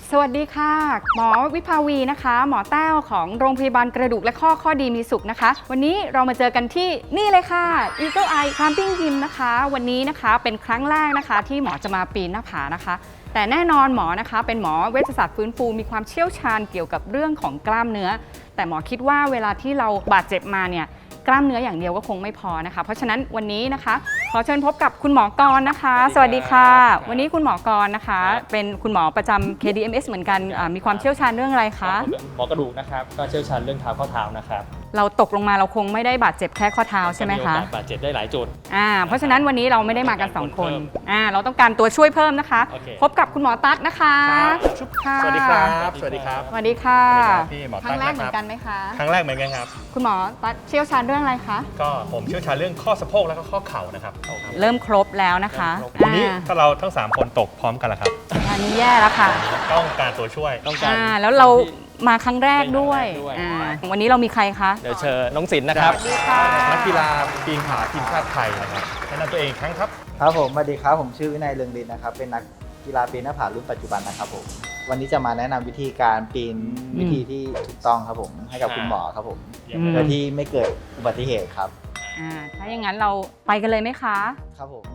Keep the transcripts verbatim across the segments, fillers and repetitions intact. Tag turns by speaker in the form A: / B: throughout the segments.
A: สวัสดีค่ะหมอวิภาวีนะคะหมอแต้วของโรงพยาบาลกระดูกและข้อข้อดีมีสุขนะคะวันนี้เรามาเจอกันที่นี่เลยค่ะ Eagle Eye Climbing Gym นะคะวันนี้นะคะเป็นครั้งแรกนะคะที่หมอจะมาปีนหน้าผานะคะแต่แน่นอนหมอนะคะเป็นหมอเวชศาสตร์ฟื้นฟูมีความเชี่ยวชาญเกี่ยวกับเรื่องของกล้ามเนื้อแต่หมอคิดว่าเวลาที่เราบาดเจ็บมาเนี่ยกล้ามเนื้ออย่างเดียวก็คงไม่พอนะคะเพราะฉะนั้นวันนี้นะคะขอเชิญพบกับคุณหมอกรนะคะสวัสดีค่ะวันนี้คุณหมอกรนะคะเป็นคุณหมอประจำ เค ดี เอ็ม เอส เหมือนกันมีความเชี่ยวชาญเรื่องอะไรคะ
B: หมอกระดูกนะครับก็เชี่ยวชาญเรื่องเท้าข้อเท้านะครับ
A: เราตกลงมาเราคงไม่ได้บาดเจ็บแค่ข้อเท้าใช่ไหมคะ
B: บาดเจ็บได้หลายจุด
A: อ่าเพราะฉะนั้นวันนี้เราไม่ได้มากันสองคนอ่าเราต้องการตัวช่วยเพิ่มนะคะพบกับคุณหมอตั๊ดนะคะ
B: สวัสดีครับสวัสดีครับ
A: สวัสดีค่ะ
B: พี่หมอ
A: ครั้งแรกเหมือนกันไหมคะ
B: ครั้งแรกเหมือนกันครับ
A: คุณหมอตั๊ดเชี่ยวชาญเรื่องอะไรคะ
B: ก็ผมเชี่ยวชาญเรื่องข้อสะโพกแล้วก็ข้อเข่านะครับ
A: เริ่มครบแล้วนะคะ
B: วันนี้ถ้าเราทั้งสามคนตกพร้อมกันแล้วครับ
A: อันนี้แย่แล้วค่ะ
B: ต้องการตัวช่วยต้องการ
A: แล้วเรามาครั้งแรกด้วยวันนี้เรามีใครคะ
B: เดี๋ยวเชิญน้องศิลป์นะครับนักกีฬาปีนผาทีมชาติไทยนะครับแนะนำตัวเองครั้งครับ
C: ครับผมสวัสดีครับผมชื่อวินัยเรืองฤทธิ์นะครับเป็นนักกีฬาปีนหน้าผารุ่นปัจจุบันนะครับผมวันนี้จะมาแนะนำวิธีการปีนวิธีที่ถูกต้องครับผมให้กับคุณหมอครับผมโดยที่ไม่เกิดอุบัติเหตุครับ
A: อ่าถ้าอย่างนั้นเราไปกันเลยไหมคะ
C: ครับผม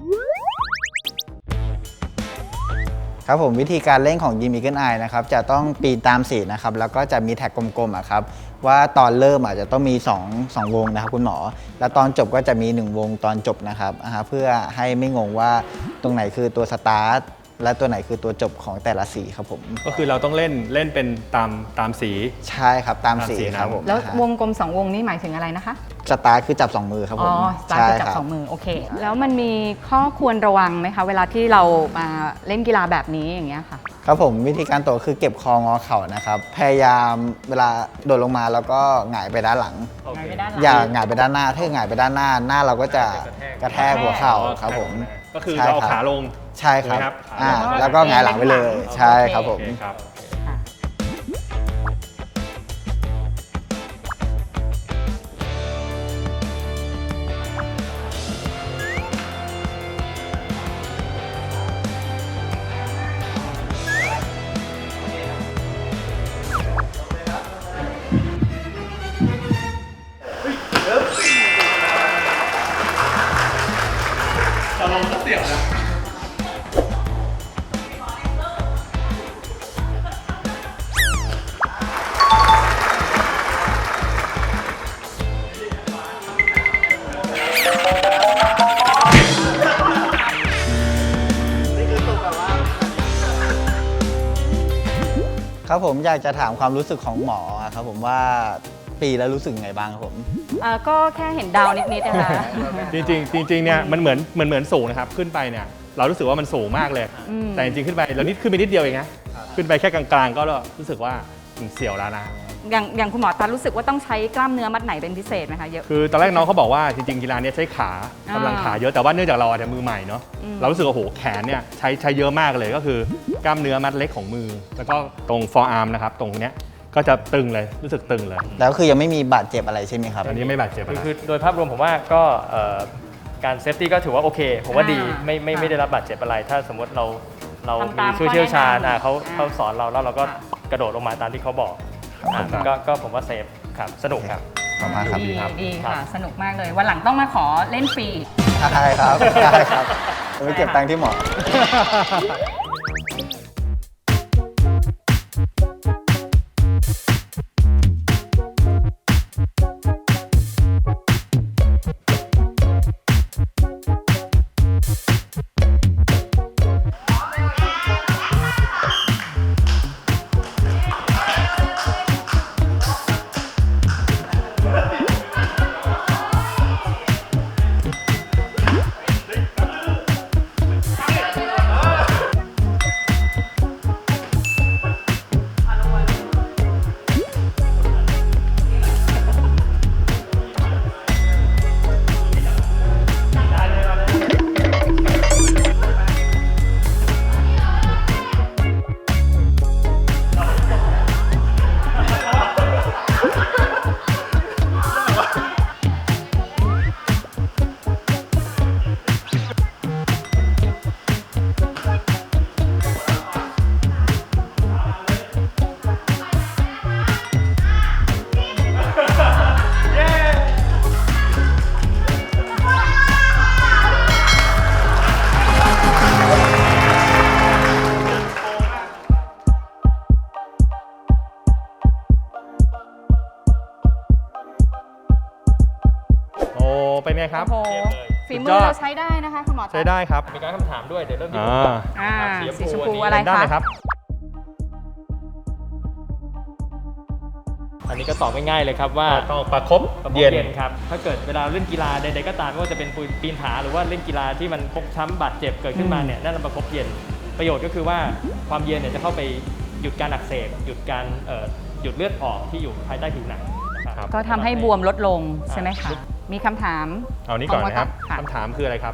C: ครับผมวิธีการเล่นของยิม Eagle Eye นะครับจะต้องปีนตามสีนะครับแล้วก็จะมีแท็กกลมๆอ่ะครับว่าตอนเริ่มอาจจะต้องมี2 2วงนะครับคุณหมอแล้วตอนจบก็จะมีหนึ่งวงตอนจบนะครับเพื่อให้ไม่งงว่าตรงไหนคือตัวสตาร์ทและตัวไหนคือตัวจบของแต่ละสีครับผม
B: ก็คือเราต้องเล่นเล่นเป็นตามตามสี
C: ใช่ครับตามสีครับผม
A: แล้ววงกลมสองวงนี้หมายถึงอะไรนะคะ
C: สตาร์ทคือจับสองมือครับผม
A: อ๋อสตาร์ทคือจับสองมือโอเคแล้วมันมีข้อควรระวังไหมคะเวลาที่เรามาเล่นกีฬาแบบนี้อย่างเงี้ยค่ะ
C: ครับผมวิธีการตกคือเก็บคองอเข่านะครับพยายามเวลาโดดลงมาแล้วก็หงายไปด้านหลังอย่าหงายไปด้านหน้าถ้าหงายไปด้านหน้าหน้าเราก็จะกระแทกหัวเข่าครับผม
B: ก็คือเราเอาขาลง
C: ใช่ครับอ่าแล้วก็หงายหลังไปเลยใช่ครับผม
B: จะลงก็เสียวนะ
C: ครับผมอยากจะถามความรู้สึกของหมอครับผมว่าปีแล้วรู้สึกไงบ้างครับผม
A: ก็แค่เห็นดาวนิดๆนะคะ
B: จริงจริงจริงเนี่ยมันเหมือนเหมือนเหมือนสูงนะครับขึ้นไปเนี่ยเรารู้สึกว่ามันสูงมากเลยแต่จริงๆขึ้นไปเรานิดขึ้นไปนิดเดียวเองนะขึ้นไปแค่กลางๆก็รู้สึกว่าเสียวแล้วนะ
A: อย่างอย่างคุณหมอตารู้สึกว่าต้องใช้กล้ามเนื้อมัดไหนเป็นพิเศษไหมคะเยอะ
B: คือตอนแรกน้องเขาบอกว่าจริงๆกีฬานี้ใช้ขากำลังขาเยอะแต่ว่าเนื่องจากเราอาจจะมือใหม่เนาะเรารู้สึกว่าโหแขนเนี่ยใช้ใช้เยอะมากเลยก็คือกล้ามเนื้อมัดเล็กของมือแล้วก็ตรง forearm นะครับตรงเนี้ยก็จะตึงเลยรู้สึกตึงเลย
C: แล้วคือยังไม่มีบาดเจ็บอะไรใช่ไหมครับ
B: ตอนนี้ไม่บาดเจ็บอะไร
D: คือโดยภาพรวมผมว่าก็การเซฟตี้ก็ถือว่าโอเคผมว่าดีไม่ไม่ไม่ได้รับบาดเจ็บอะไรถ้าสมมติเราเรามีผู้เชี่ยวชาญเขาเขาสอนเราแล้วเราก็กระโดดลงมาตามที่เขาบอกก็ก็ผมว่าเซฟครับสนุกครับ
C: ขอบคุณครับ
A: ดีดีค่ะสนุกมากเลยวันหลังต้องมาขอเล่นฟรี
C: ใช่ครับใช่ครับไปเก็บตังค์ที่หมอ
B: เป็นไงครับ
A: โอ้โหฝีมือเราใช้ได้นะคะคุณหมอ
B: ใช้ได้ครับ
D: มีการคำถามด้วยเดี๋ยวเริ่มที่
B: อ่า
D: ผมก่อน
A: อ่า
D: นะครับ
A: สีชมพู
D: อันนี้
A: อะไร
B: ด้าน
A: คะ
B: เลยครับ
D: อันนี้ก็ตอบง่ายๆเลยครับว่า
B: ต้องประคบ
D: ประคบ
B: เย็น
D: เย็นครับถ้าเกิดเวลาเล่นกีฬาใดๆก็ตามไม่ว่าจะเป็นปีนผาหรือว่าเล่นกีฬาที่มันฟกช้ำบาดเจ็บเกิดขึ้นมาเนี่ยนั่นเราประคบเย็นประโยชน์ก็คือว่าความเย็นเนี่ยจะเข้าไปหยุดการอักเสบหยุดการเอ่อหยุดเลือดออกที่อยู่ภายใต้ผิวหนังนะครับ
A: ก็ทำให้บวมลดลงใช่ไหมคะ มีคำถาม
B: เอานี้ก่อนนะครับ
A: ค่ะ
B: คำถามคืออะไรครับ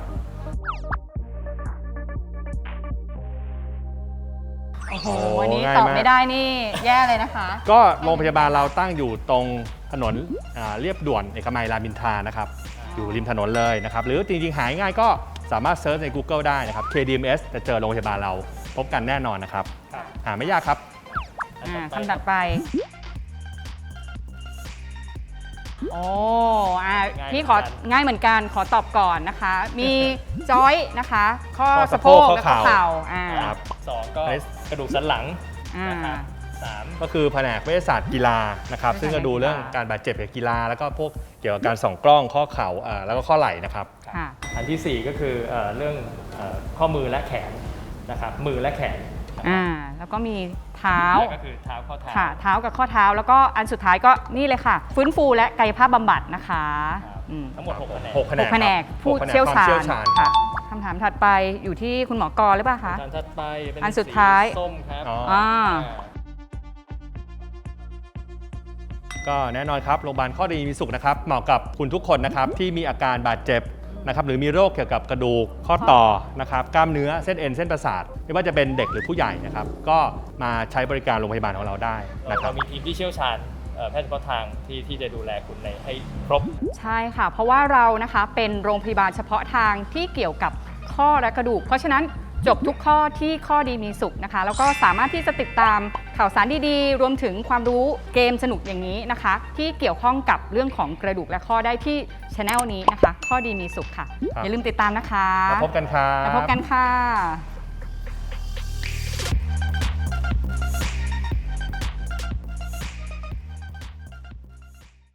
A: โอ้โห
B: โอ้
A: วันนี้
B: ง่าย
A: ตอบ
B: มาก
A: ไม่ได้นี่แย่เลยนะคะ
B: ก็โรงพยาบาลเราตั้งอยู่ตรงถนนอ่าเรียบด่วนเอกมัยรามอินทรานะครับ อยู่ริมถนนเลยนะครับ หรือจริงๆ หายง่ายก็สามารถเซิร์ชใน Google ได้นะครับ เค ดี เอ็ม เอส จะเจอโรงพยาบาลเราพบกันแน่นอนนะครับ
D: ครับ
B: หาไม่ยากครับ
A: อ่าคำถัดไป โอ้อ่า
D: ง่าย
A: พี่ขอ
D: เหมือนกัน
A: ง่ายเหมือนกันขอตอบก่อนนะคะ มีจอยนะคะ ข้อ
B: ข้อ
A: สะ
B: สะ
A: โพ
B: โพ
A: ก
B: ก
A: และข้อ
B: ข้อ
A: เข่า
B: เข่า
A: อ่า
B: ครับ
D: สองก็
B: อันนี้
D: กระดูกสันหลัง
A: อ่า
D: นะครับสาม
B: ก็คือแผนกเวชศาสตร์กีฬานะครับ
A: เวชศาสตร์
B: ซึ่งจะดูเรื่อง
A: กีฬา
B: การบาดเจ็บจากกีฬา แล้วก็พวกเกี่ยวกับการส่องกล้องข้อเข่าอ่าแล้วก็ข้อไหล่นะครับ
A: ค่ะ
D: อันที่สี่ก็คือเอ่อเรื่องเอ่อข้อมือและแขนนะครับมือและแขนนะครับ
A: อ่า แล้วก็มีเท้า
D: แล้วก็คือเท้าข้อเท้า
A: ค่ะ เท้ากับข้อเท้า แล้วก็อันสุดท้ายก็นี่เลยค่ะ ฟื้นฟูและกายภาพบำบัดนะคะ
D: ครับ
A: อืม
D: ทั้งหมดหกคะแนน
B: หกแผน
A: ห
B: ก
A: กแผนก
B: ครับ
A: ผู้
B: หกแผนก
A: เชี่ยวชา
B: ความเชี่
A: ญ
B: ยวชาญ
A: ค่ะคำถามถัดไปอยู่ที่คุณหมอกรหรือเปล่าคะ
D: จานถัดไปเป็น
A: อันสุดท้าย
D: สีส้มครับ
B: อ๋อ
A: อ่า
B: ก็แน่นอนครับโรงพยาบาลข้อดีมีสุขนะครับเหมาะกับคุณทุกคนนะครับที่มีอาการบาดเจ็บนะครับหรือมีโรคเกี่ยวกับกระดูกข้อต่อนะครับกล้ามเนื้อเส้นเอ็นเส้นประสาทไม่ว่าจะเป็นเด็กหรือผู้ใหญ่นะครับก็มาใช้บริการโรงพยาบาลของเราได้
D: เรา
B: นะครับ
D: เรามีทีมที่เชี่ยวชาญเอ่อแพทย์เฉพาะทางที่ที่จะดูแลคุณในให้ครบ
A: ใช่ค่ะ เพราะว่าเรานะคะเป็นโรงพยาบาลเฉพาะทางที่เกี่ยวกับข้อและกระดูก เพราะฉะนั้นจบทุกข้อที่ข้อดีมีสุขนะคะ แล้วก็สามารถที่จะติดตามข่าวสารดีๆ รวมถึงความรู้เกมสนุกอย่างนี้นะคะ ที่เกี่ยวข้องกับเรื่องของกระดูกและข้อได้ที่ช anel นี้นะคะ ข้อดีมีสุขค่ะ
B: ครับ
A: อย่าลืมติดตามนะคะ
B: แล้วพบกันครับ
A: แล้วพบกันค่ะ